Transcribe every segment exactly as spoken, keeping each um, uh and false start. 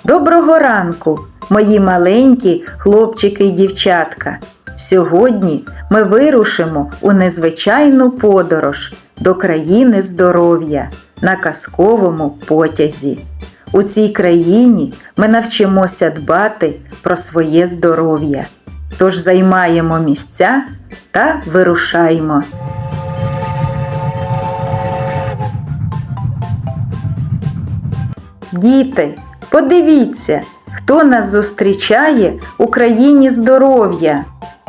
Доброго ранку, мої маленькі хлопчики й дівчатка! Сьогодні ми вирушимо у незвичайну подорож до країни здоров'я на казковому потязі. У цій країні ми навчимося дбати про своє здоров'я. Тож займаємо місця та вирушаємо. Діти, подивіться, хто нас зустрічає у країні здоров'я.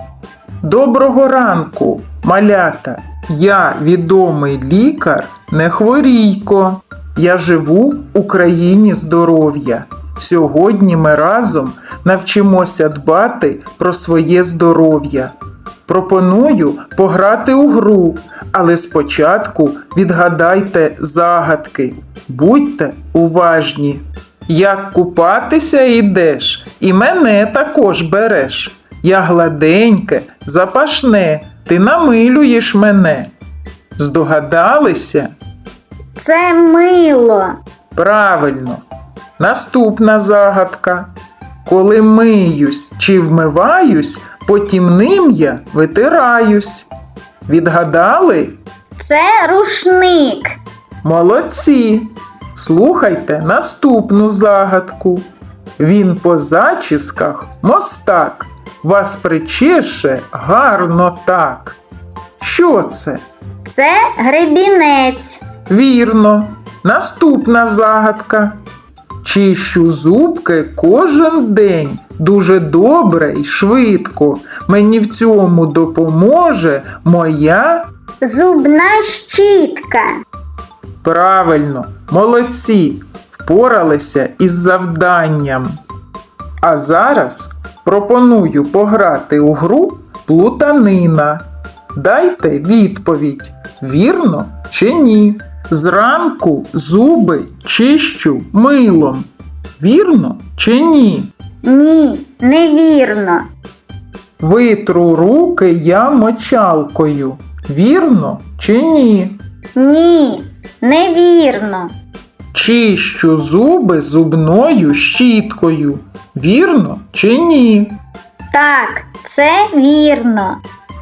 Доброго ранку, малята! Я відомий лікар Нехворійко. Я живу у країні здоров'я. Сьогодні ми разом навчимося дбати про своє здоров'я. Пропоную пограти у гру, але спочатку відгадайте загадки. Будьте уважні. Як купатися йдеш, і мене також береш. Я гладеньке, запашне, ти намилюєш мене. Здогадалися? Це мило. Правильно. Наступна загадка. Коли миюсь чи вмиваюсь, потім ним я витираюсь. Відгадали? Це рушник. Молодці! Слухайте наступну загадку. Він по зачісках мостак, вас причеше гарно так. Що це? Це гребінець. Вірно. Наступна загадка. Чищу зубки кожен день, дуже добре й швидко. Мені в цьому допоможе моя... Зубна щітка. Правильно, молодці, впоралися із завданням. А зараз пропоную пограти у гру «Плутанина». Дайте відповідь, вірно чи ні. Зранку зуби чищу милом. Вірно чи ні? Ні, невірно. Витру руки я мочалкою. Вірно чи ні? Ні, невірно. Чищу зуби зубною щіткою. Вірно чи ні? Так, це вірно.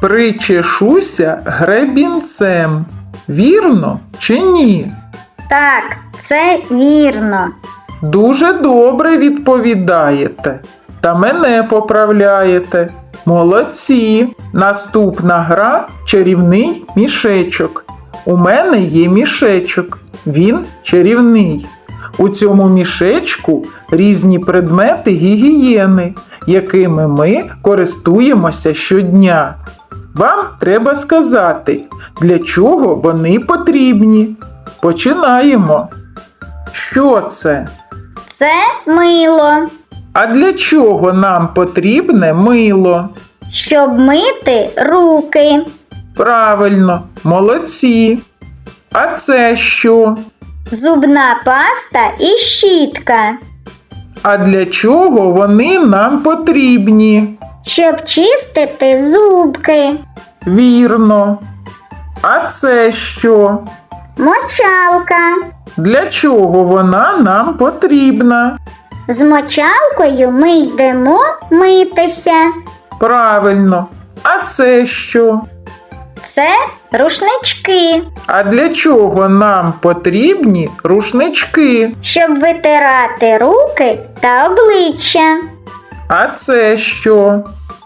Причешуся гребінцем. Вірно чи ні? Так, це вірно. Дуже добре відповідаєте. Та мене поправляєте. Молодці! Наступна гра – чарівний мішечок. У мене є мішечок. Він чарівний. У цьому мішечку різні предмети гігієни, якими ми користуємося щодня. Вам треба сказати, для чого вони потрібні. Починаємо. Що це? Це мило. А для чого нам потрібне мило? Щоб мити руки. Правильно, молодці. А це що? Зубна паста і щітка. А для чого вони нам потрібні? Щоб чистити зубки. Вірно. А це що? Мочалка. Для чого вона нам потрібна? З мочалкою ми йдемо митися. Правильно. А це що? Це рушнички. А для чого нам потрібні рушнички? Щоб витирати руки та обличчя. А це що?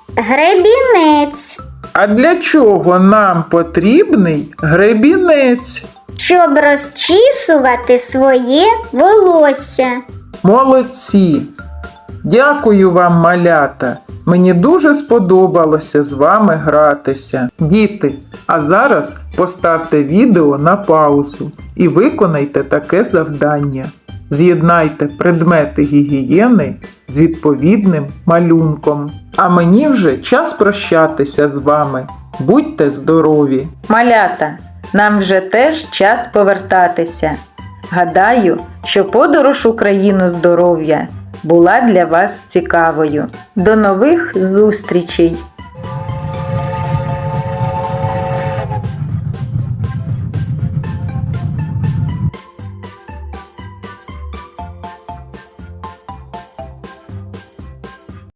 Гребінець. А для чого нам потрібний гребінець? Щоб розчісувати своє волосся. Молодці! Дякую вам, малята! Мені дуже сподобалося з вами гратися. Діти, а зараз поставте відео на паузу і виконайте таке завдання. З'єднайте предмети гігієни з відповідним малюнком. А мені вже час прощатися з вами. Будьте здорові! Малята, нам вже теж час повертатися. Гадаю, що подорож у країну здоров'я була для вас цікавою. До нових зустрічей!